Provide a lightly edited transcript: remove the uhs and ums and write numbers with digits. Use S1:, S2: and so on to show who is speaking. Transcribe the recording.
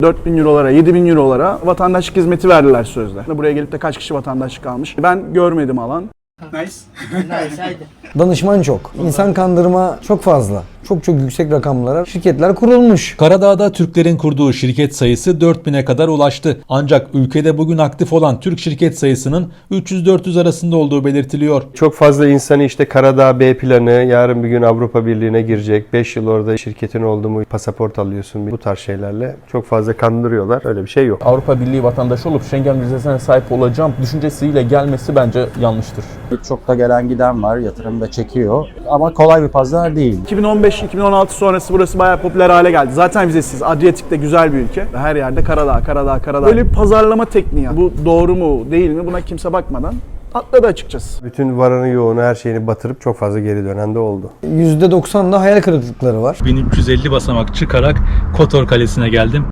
S1: 4.000 eurolara, 7.000 eurolara vatandaşlık hizmeti verdiler sözde. Buraya gelip de kaç kişi vatandaşlık almış? Ben görmedim alan. Nice.
S2: Nice, haydi.
S3: Danışman çok. İnsan kandırma çok fazla. Çok yüksek rakamlara şirketler kurulmuş.
S4: Karadağ'da Türklerin kurduğu şirket sayısı 4000'e kadar ulaştı. Ancak ülkede bugün aktif olan Türk şirket sayısının 300-400 arasında olduğu belirtiliyor.
S5: Çok fazla insanı işte Karadağ B planı, yarın bir gün Avrupa Birliği'ne girecek. 5 yıl orada şirketin oldu mu pasaport alıyorsun. Bu tarz şeylerle çok fazla kandırıyorlar. Öyle bir şey yok.
S6: Avrupa Birliği vatandaşı olup Schengen vizesine sahip olacağım düşüncesiyle gelmesi bence yanlıştır.
S7: Çok da gelen giden var, yatırım da çekiyor ama kolay bir pazar değil.
S1: 2015-2016 sonrası burası bayağı popüler hale geldi. Zaten vizesiz. Adriyatik de güzel bir ülke. Her yerde Karadağ. Böyle bir pazarlama tekniği. Bu doğru mu değil mi buna kimse bakmadan atladı açıkçası.
S5: Bütün varanı yoğunu her şeyini batırıp çok fazla geri dönen de oldu.
S3: %90'da hayal kırıklıkları var.
S4: 1350 basamak çıkarak Kotor Kalesi'ne geldim.